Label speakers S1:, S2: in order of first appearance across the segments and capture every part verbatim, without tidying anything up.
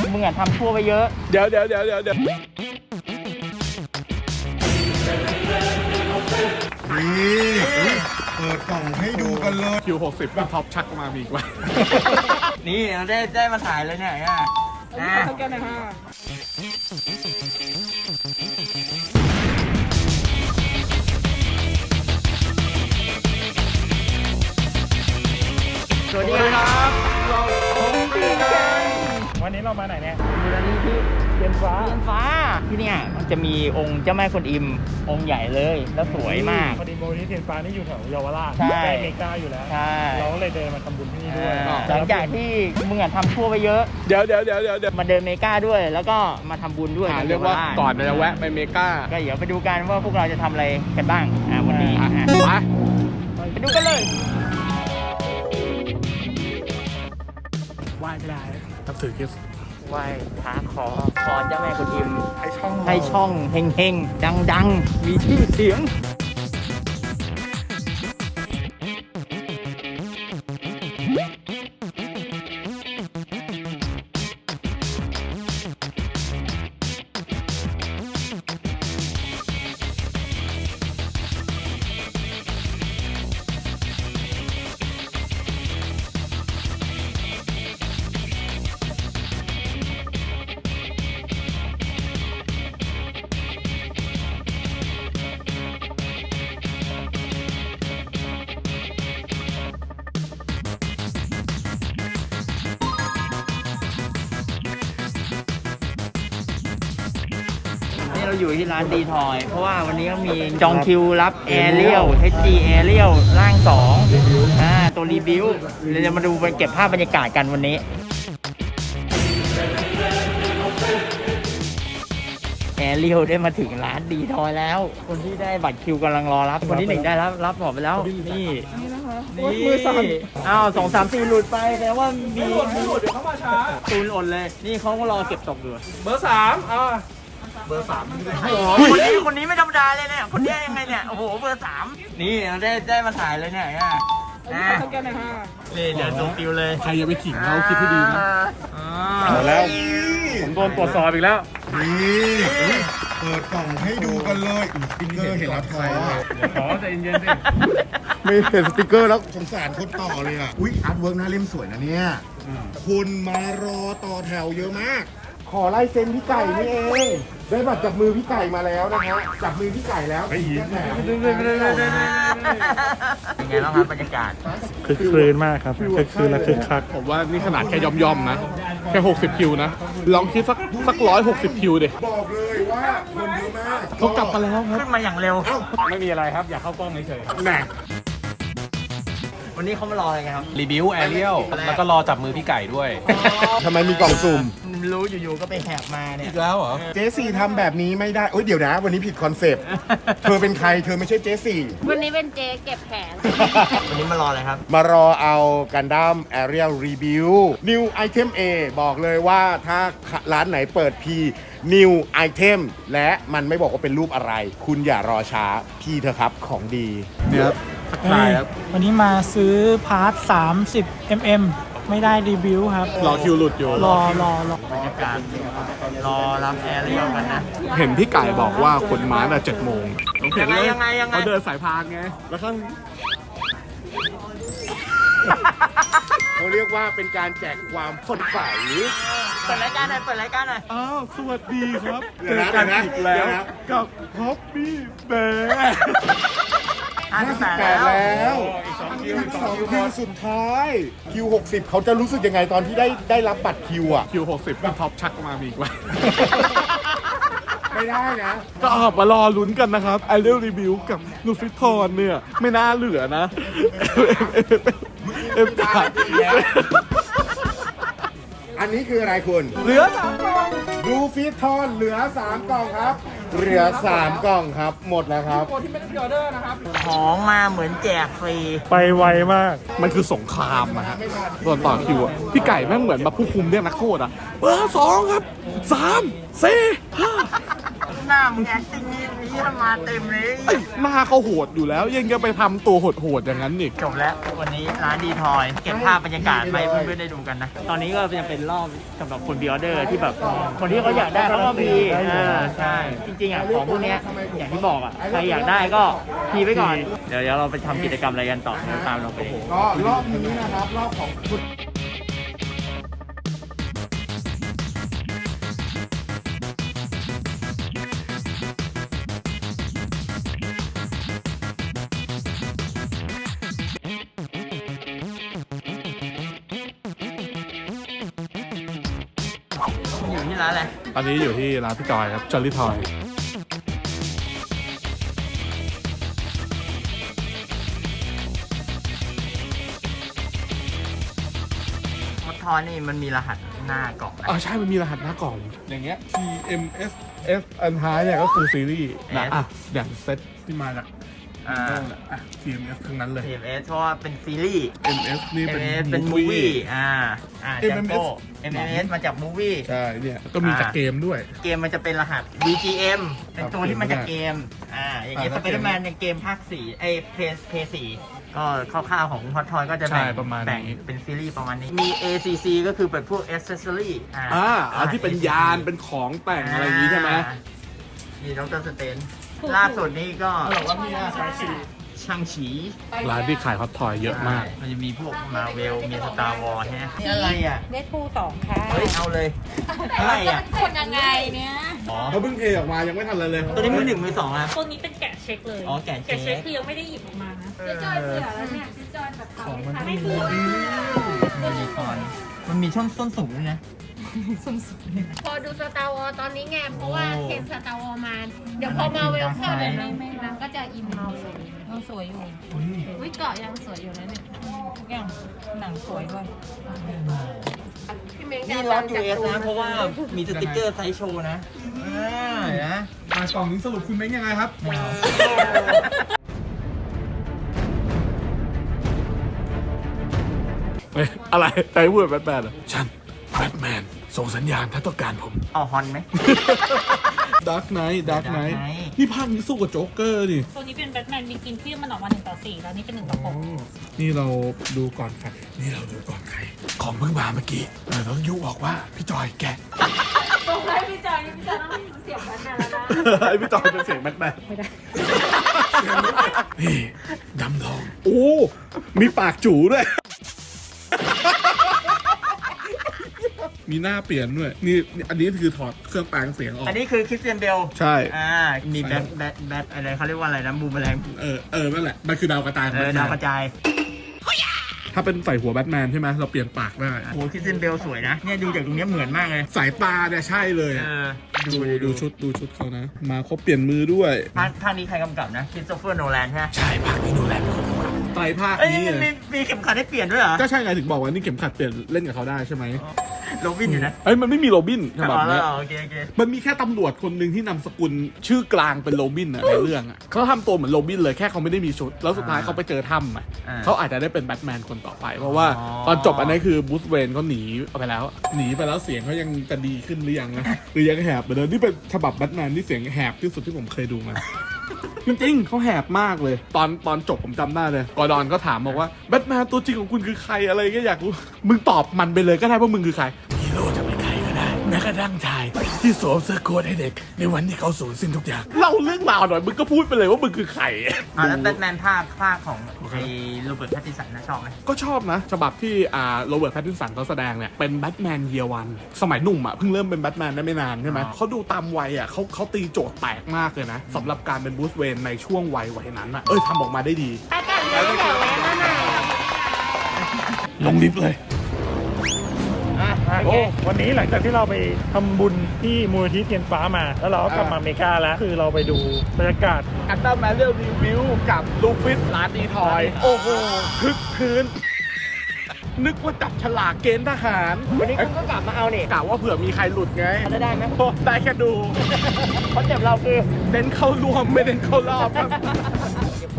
S1: มึงอ่ะทำชั่วไปเยอะ
S2: เดี๋ยวเดี๋ยวเดี๋ยวเดี๋ยวเดี๋ยว
S3: นี่เปิดกล่องให้ดูกันเลย
S2: คิวหกสิบเป็นท็อปชักมามีอีกว่า
S1: นี่เราได้ได้มาถ่ายเลยเนี่ยอ่ะอ่ะแกนะฮะสวัสดีครับเราปีกัน
S4: วันนี้เรามาไหนเนี่ย
S1: มูลนิธิเทียนฟ้าเทียนฟ้าที่เนี่ยมันจะมีองค์เจ้าแม่กวนอิมองค์ใหญ่เลยแล้วสวยมาก
S4: พอดีโมนิธิเทียนฟ้านี่อยู่แถวเยาวราช
S1: ใช่
S4: ใกล้เมกาอยู่แล้ว
S1: ใช่
S4: เราก็เลยเดินมาทำบุญที่นี่ด้วย
S1: หลังจากที่มึงอ่ะทำชั่วไปเยอะ
S2: เดี๋ยวเดี๋ยวเดี๋ยวเดี๋ยวเดี๋ยว
S1: มาเดินเมกาด้วย แล้วก็มาทำบุญด้วย
S2: อ่าเรียกว่าก่อนจะแวะไปเมกา
S1: ก็เดี๋ยวไปดูกันว่าพวกเราจะทำอะไรกันบ้างอ่าวันนี้
S2: อ่ะ
S1: อ่ะ
S2: ไป
S1: ไปดูกันเลย
S4: ไหว้ไม่ได้นับถือคริสต์
S1: ไหว้พระขอพรเจ้าแม่กวนอิม
S4: ให้ช่อง
S1: ให้ช่องเฮงๆ ดังๆ มีชื่อเสียง นี่เราอยู่ที่ร้านดีทอย เพราะว่าวันนี้ก็มีจองคิวรับแอร์เรียล เอช จี แอร์เรียลร่างสองอ่าตัวรีวิวเราจะมาดูเก็บภาพบรรยากาศกันวันนี้ แอร์เรียลได้มาถึงร้านดีทอยแล้ว คนที่ได้บัตรคิวกำลังรอรับ คนที่หนึ่งได้รับรับหมดไปแล้ว นี่นี่มือสั่นอ้าวสองสามสี่หลุดไปแปลว่ามีมีหลุดเดี๋ยวเขามาช้าตูนหล่นเลย นี่เขาก็รอเก็บตกอยู่
S4: เบอร์สามอ่า
S1: โอ้โหคนนี้คนนี้ไม่ธรรมดาเลยเนี่ย คนนี้ยังไงเนี่ย โอ้โห เบอร์สาม นี่เราได้ได้มาถ่ายเลยเนี่ยอ่ะอ่ะนี่เดี๋ยวดูฟิวเลย
S2: ใครอย่าไปขิงเขาคิดให้ดีนะ
S1: อ่า
S2: เอาแล้ว ผมโดนตรวจสอบอีกแล้ว
S3: นี่เปิดกล่องให้ดูกันเลยสติ๊กเกอร์เห็นแล้วท้อ
S2: ขอใจเย็นๆสิ
S3: ไม่เห็นสติ๊กเกอร์แล้วสงสารคนต่อเลยอ่ะอุ๊ยอาร์ตเวิร์กหน้าเล่มสวยนะเนี่ยคนมารอต่อแถวเยอะมาก ขอลายเซ็นพี่ไก่นี่เองได้บัตรจับมือพี่ไก่มาแล้วนะฮะจับมือพี่ไก่แล้วไอ้หิน
S1: เป็นไงบ้างครับบรรยากาศ
S4: คึกคืนมากครับคึกคืนและคึกคัก
S2: ผมว่านี่ขนาดแค่ย่อมๆนะ แค่หกสิบคิวนะ ลองคิดสักสักร้อยหกสิบคิวดิ
S3: บอกเลยว่าคนเยอะมาก
S2: เขากลับมาแล้วครับ
S1: ขึ้นมาอย่างเร็ว
S4: ไม่มีอะไรครับ อยากเข้ากล้องเฉยๆครับ
S3: แหน่
S1: วันนี้เขามารออะไรกันครับ
S5: รีวิวแอเรียลแล้วก็รอจับมือพี่ไก่ด้วย
S3: ทำไมมีกล่องสุ่ม
S1: รู้อยู่ๆก็ไปแหบมาเนี่ย
S5: อีกแล้วเหรอ
S3: เจสี่ทำแบบนี้ไม่ได้เอ้ยเดี๋ยวนะ วันนี้ผิดคอนเซปต์ เธอเป็นใคร เธอไม่ใช่เจสี่
S6: วันนี้เป็นเจ๊เก็บแผง
S1: วันนี้มารออะไรครับ
S3: มารอเอากันดั้ม Aerial Review New Item A บอกเลยว่าถ้าร้านไหนเปิด P New Item และมันไม่บอกว่าเป็นรูปอะไร คุณอย่ารอช้า พี่เถอะครับของดี
S2: เนี่ยครับทักทายครับ
S4: วันนี้มาซื้อพาร์ทสามสิบมิลลิเมตร ไม่ได้รีวิวครับ
S2: รอคิวหลุดอยู่
S4: รอรอรอบ
S1: รรยากาศรอรับแอร์เรียลกันนะ
S2: เห็นพี่ไก่บอกว่าคนมาแต่เจ็ดโมงผมเห็นเลย
S1: ยังไงยังไง
S2: เขาเดินสายพานไง แล้วข้าง
S3: เขาเรียกว่าเป็นการแจกความสดใส
S1: เปิดรายการหน่อยเปิดรายการหน่อย
S2: อ้าว สวัสดีครับ
S3: เดี๋
S2: เจ
S3: ยว
S2: อ
S3: นะ
S2: กัน
S3: เดี๋ยวนะ
S2: อีกแล้
S3: เดี๋
S2: ว
S3: ยวนะ
S2: กับฮอปปี้แบร์
S1: ห้า
S3: ห้า
S1: สิ
S3: สิ
S1: บบ แป
S3: แป
S1: ด
S3: ด
S1: แล้
S3: แล้ว ว
S2: อีกสองคิว
S3: อี
S2: อี
S3: ก
S2: ก
S3: ส
S2: ส
S3: อ
S2: อง งคิว
S3: คิวสุดท้าย คิวหกสิบเขาจะรู้สึกยังไงตอนที่ได้ได้รับบัตรคิวอ่ะ
S2: คิวหกสิบเป็นท็อปชักมามีอีกว่า
S3: ไม่ได้นะ
S2: ก็ออกมารอลุ้นกันนะครับไอเรียลรีวิวกับนูฟิทอนเนี่ย ไม่น่าเหลือนะเอ็มจ่า
S3: อันนี้คืออะไรคุณ
S1: เหลือสามกล่อง
S3: ดูฟิตทอนเหลือสามกล่องครับ เหลือสามกล่องครับ หมดแล้วครับ
S1: ของมาเหมือนแจกฟรี
S4: ไปไวมาก
S2: มันคือสงครามอะฮะตอนต่อคิวอะพี่ไก่แม่งเหมือนแบบผู้คุมเรียกนักโทษอะเบอร์สองครับสามสี่ห้า
S1: หน้ามึงแอคติ้งนี้นี่มาเต็มเลย
S2: หน้าเขาโหดอยู่แล้ว ยังจะไปทำตัวโหดๆอย่างนั้นอีก
S1: จบแล้ววันนี้ร้านดีทอยเก็บภาพบรรยากาศไปเพื่อนๆได้ดูกันนะ ตอนนี้ก็ยังเป็นรอบสำหรับคนบีออเดอร์ที่แบบคนที่เขาอยากได้เขาก็มีอ่าใช่จริงๆอ่ะของพวกเนี้ยอย่างที่บอกอ่ะใครอยากได้ก็พีไว้ก่อนเดี๋ยวเดี๋ยวเราไปทำกิจกรรมอะไรกันต่อเดี๋ยวตามเราไป
S3: ก็รอบนี้นะครับ รอบของคุณ
S1: อยู่ที่ร้านอะไร
S2: ตอนนี้อยู่ที่ร้านพี่จอยครับจอลลี่ทอย
S1: มดทอนี่มันมีรหัสหน้ากล่องนะ
S2: อ่าใช่ มันมีรหัสหน้ากล่อง อย่างเงี้ย ที เอ็ม เอส F อันท้ายเนี่ยก็คือซีรีส์นะอ่ะอย่างเซตที่มาจาก
S1: อ่า
S2: อ่ะ ที เอ็ม เอส ทั้งนั้นเลย
S1: ที เอ็ม เอส เพราะว่าเป็นซีรีส์
S2: เอ็ม เอส นี่
S1: เอ็
S2: เป็
S1: ม
S2: น
S1: เอสเป็นมู
S2: movie
S1: วี่อ่าอ่า
S2: เอ็
S1: แจ็
S2: ม
S1: ค
S2: เอส
S1: โก้ เอ็ม เอส มาจากมูวี่
S2: ใช่ เนี่ย ก็มีจากเกมด้วย
S1: เกมมันจะเป็นรหัส วี จี เอ็ม เป็นตัวที่มาจากเกม อ่า อย่างเงี้ยส
S2: อ่า
S1: ไปเดอร์แมนในเกมภาคสี่ไอ้เพย์เพย์สี่ก็คร่าวๆของฮอตทอยก็จะแบ่ง
S2: ใช่ประมาณนี้
S1: แบ่งเป็นซีรีส์ประมาณนี้ มี เอ ซี ซี ก็คือเป็นพวก accessory อ่า
S2: อ่าอันที่เป็นยาน เป็นของแต่งอะไรอย่างงี้ใช่ไหม
S1: มีดรสเตนล่าสุดนี้ก็ช่างฉี
S2: ร้านที่ขายฮอตทอยเยอะมาก
S1: มันจะมีพวกมาเวล มีสตาร์วอร์ฮะนี่อะไรอ่ะ
S6: เดดพูลสองค่ะ
S1: เฮ้ย เอาเลยอะไรอ่ะ
S6: คนยังไงเนี่ย
S1: อ๋อ
S2: เขาเพิ่งเทออกมายังไม่ทันเลยเลย
S1: ตัวนี้มือหนึ่งมือสองอ่ะ
S6: ตัวนี้เป็นแกะเช็คเลย
S1: อ๋อแกะเช็ค
S6: เช็คคือยังไม่ได้หยิบออกมานะ
S1: เจ๊จอยเสือแล้วเนี่ย
S6: เจ๊จอยแบบ
S1: ของมัน
S6: ให้ดู
S1: ยูนิคอร์นมันมีช่องส้นสูงด้วยนะ
S7: พอดูสตาร์วอลตอนนี้ไงเพราะว่าเห็นสตาร์วอลมา เดี๋ยวพอมาเวลเข้าเลยนางก็จะอินเมาเลย
S6: ยังสวยอยู่
S7: วิเกาะยังสวยอยู่นะเนี่ย
S6: ทุกอย่างหนังสวยด้วย
S7: พี่เมง
S1: นี่ร้อน ยู เอส นะ เพราะว่ามีสติกเกอร์ไซส์โชว์นะอ่าเห็นไหม
S2: มากล่องนี้สรุปคุณเม้งยังไงครับ เฮ้ย อะไรใจพูดแบทแมนเหรอฉันแบทแมนส่งสัญญาณถ้าต้องการผม
S1: เอาฮอนไหม
S2: ดาร์กไนท์ดาร์กไนท์
S1: Dark Knight
S2: นี่ภาคนี้สู้กับโจ๊กเกอร์นี่
S6: ตัวนี้เป็นแบทแมนมีกินที่มันออกมาหนึ่งต่อสี่แล้วนี่เป็นหนึ่งต่อหก
S2: นี่เราดูก่อนใคร นี่เราดูก่อนใคร ของเพิ่งมาเมื่อกี้เราต้องยุบอกว่า พี่จอยแกะ
S6: บอกให้พี่จอยพี่จอยต้องเสียงแบทแมนแล้วนะ
S2: ไอพี่จอยเป็นเสียงแบทแมนไม่ได้ นี่ดำทอง โอ้ มีปากจูด้วย มีหน้าเปลี่ยนด้วย นี่อันนี้คือถอดเครื่องแปลงเสียงออก
S1: อันนี้คือคริสเตียนเบล
S2: ใช่
S1: อ่า มีแบทแบทแบทอะไรเขาเรียกว่าอะไรนะบูมแมลง
S2: เออ เออ นั่นแหละ มันคือดาวกระจายของ
S1: เออ
S2: แบทแม
S1: ดาวน กระจาย
S2: ถ้าเป็นใส่หัวแบทแมนใช่ไหมเราเปลี่ยนปากได้
S1: โหคริสเตียนเบลสวยนะ เนี่ยดูจากตรงเนี้ยเหมือนมากเลย
S2: สายตาเนี่ยใช่เลย
S1: เออ
S2: ดู
S1: ดิ
S2: ดูชุดดูชุดเขานะ มาครบเปลี่ยนมือด้วย
S1: ภาคภาคนี้ใครกำกับนะคริสโตเฟอร์โนแลนใช่ไหม
S2: ใช่ภาคนี้ดูแลเป็นคนกำกับไตรภาค
S1: เอ้ย
S2: นี้
S1: นี่มันมีมีเข็มขัดให้เปลี่ยนด้วยเหรอ
S2: ก็ใช่ไงถึงบอกว่านี่เข็มขัดเปลี่ยนเล่นกับเขาได้ใช่ไหม
S1: โรบินอยู่นะ
S2: เอ้ยมันไม่มีโรบินฉบับ
S1: อ๋อแล้
S2: เนี้
S1: วย โอเคโอเค
S2: มันมีแค่ตำรวจคนหนึ่งที่นำสกุลชื่อกลางเป็นโรบินอะในเรื่องอะเขาทำตัวเหมือนโรบินเลยแค่เขาไม่ได้มีชุด แล้วสุดท้ายเขาไปเจอถ้ำอะ
S1: อ่า
S2: เขาอาจจะได้เป็นแบทแมนคนต่อไป เพราะว่า
S1: อ๋อ
S2: ตอนจบอันนี้คือบูธเวนเขาหนีไปแล้ว หนีไปแล้วเสียงเขายังจะดีขึ้นหรือยังนะหรือยังแหบเหมือนเดิมนี่เป็นฉบับแบทแมนที่เสียงแหบที่สุดที่ผมเคยดูมา จริงๆเขาแหบมากเลย ตอนตอนจบผมจำได้เลยกอร์ดอนก็ถามบอกว่าแบทแมนตัวจริงของคุณคือใครอะไรก็อยากรู้มึงตอบมันไปเลยก็ได้ว่ามึงคือใครฮีโร่จะเป็นใครก็ได้แม้กระทั่งชายที่สวมเสื้อโค้ทให้เด็กในวันที่เขาสูญสิ้นทุกอย่างเล่าเรื่องราวหน่อยมึงก็พูดไปเลยว่ามึงคือใคร
S1: อ่าแล้วแบทแมนภาคภาคของไอ้โรเบิร์ตแพตตินสันนะชอบไหม
S2: ก็ชอบนะฉบับที่อ่าโรเบิร์ตแพตตินสันเขาแสดงเนี่ยเป็นแบทแมนเยียวันสมัยหนุ่มอ่ะเพิ่งเริ่มเป็นแบทแมนได้ไม่นานใช่ไหมเขาดูตามวัยอ่ะเขาเขาตีโจทย์แตกมากเลยนะสำหรับการเป็นบูธเวนในช่วงวัยวัยนั้นอ่ะเอ้ยทำออกมาได้ดี
S7: อากาศเย็นแถวแว้นมาหน่อย
S2: ลงลิฟต์เลย
S1: อ่ะโอ
S4: โอ้
S1: เค
S4: วันนี้หลังจากที่เราไปทำบุญที่มูลนิธิเทียนฟ้ามา แล้วเราก็กลับมาอเมริกาแล้ว คือเราไปดูบรรยากาศ
S2: อันดับแมนเรียลรีวิวกับลูฟิตร้านดีทอย โอ้โหคึกคืน นึกว่าจับฉลากเกณฑ์ทหาร
S1: วันนี้คุณก็กลับมาเอาเนี่ย
S2: กะว่าเผื่อมีใครหลุดไง
S1: จะได้ไหม
S2: โอ้ได้แค่ดู
S1: คอนเซ็ปต์เราคือ
S2: เน้นเข้ารวมไม่เน้นเข้ารอบครับ
S1: เก็บข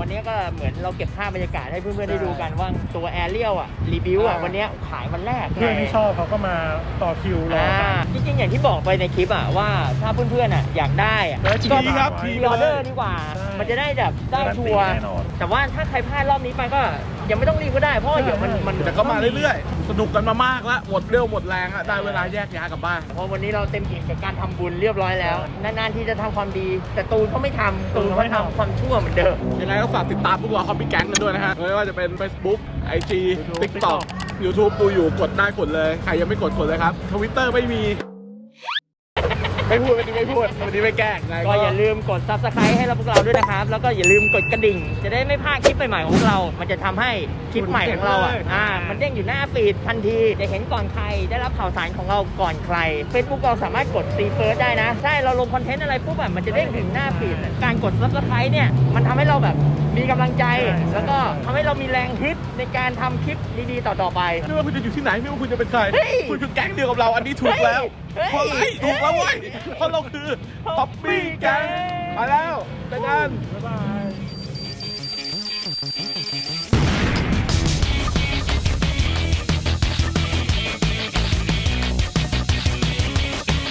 S1: วันนี้ก็เหมือนเราเก็บภาพบรรยากาศให้เพื่อนๆได้ดูกันว่าตัวแอเรียลอ่ะรีวิวอ่ะวันนี้ขายวันแรก
S4: เพื่อนที่ชอบเขาก็มาต่อคิวรอกัน
S1: จริงๆอย่างที่บอกไปในคลิปอ่ะว่าถ้าเพื่อนๆอ่ะอยากได้อ่ะ
S4: แล้ว
S1: ก็
S4: ทีครับ
S1: พรีออเดอร์ดีกว่า
S4: ใช่
S1: มันจะได้แบบได้ชัวร์
S4: แน่นอน
S1: แต่ว่าถ้าใครพลาดรอบนี้ไปก็ยังไม่ต้องรีบก็ได้เพราะว่าเดี๋ยวมันมัน
S2: แต่ก็มาเรื่อยๆ สนุกกันมามากแล้ว หมดเรี่ยวหมดแรงอะได้เวลาแยกย้ายกลับบ้าน
S1: เพราะวันนี้เราเต็มอิ่มกับการทำบุญเรียบร้อยแล้วนานๆที่จะทำความดี แต่ตูนเขาไม่ทำตูนเขาทำความชั่วเหมือนเดิม
S2: ยังไงก็ฝากติดตามพวกเราคอมปี้แก๊งกันด้วยนะฮะ ไม่ว่าจะเป็น Facebook ไอ จี TikTok YouTube ดูอยู่กดได้กดเลย ใครยังไม่กดกดเลยครับ Twitter ไม่มี ไม่พูดวันนี้ไม่พูดวันนี้ไม่แกล้งไง
S1: ก็อย่าลืมกด ซับสไครบ์ ให้เราพวกเราด้วยนะครับ แล้วก็อย่าลืมกดกระดิ่ง จะได้ไม่พลาดคลิปใหม่ๆของพวกเรา มันจะทำให้คลิปใหม่ของเราอ่ะอ่ามันเด้งอยู่หน้าฟีดทันทีจะเห็นก่อนใครได้รับข่าวสารของเราก่อนใคร Facebook เราสามารถกดซีเฟิร์สได้นะใช่เราลงคอนเทนต์อะไรปุ๊บอ่ะมันจะเด้งถึงหน้าฟีดการกด ซับสไครบ์ เนี่ยมันทำให้เราแบบมีกำลังใจ แล้วก็ทำให้เรามีแรงฮึดในการทำคลิปดีๆต่อๆไป
S2: ไม่ว่าคุณจะอยู่ที่ไหนไม่ว่าคุณจะเป็นใคร
S1: เฮ้ย
S2: คุณคือแก๊งเดียวกับเรา อันนี้ถูกแล้ว
S1: เฮ้ย
S2: เพราะอะไรถูกแล้วเว้ยเพราะเราคือ Poppy Gang มาแล้วเจอกัน
S4: บ๊ายบาย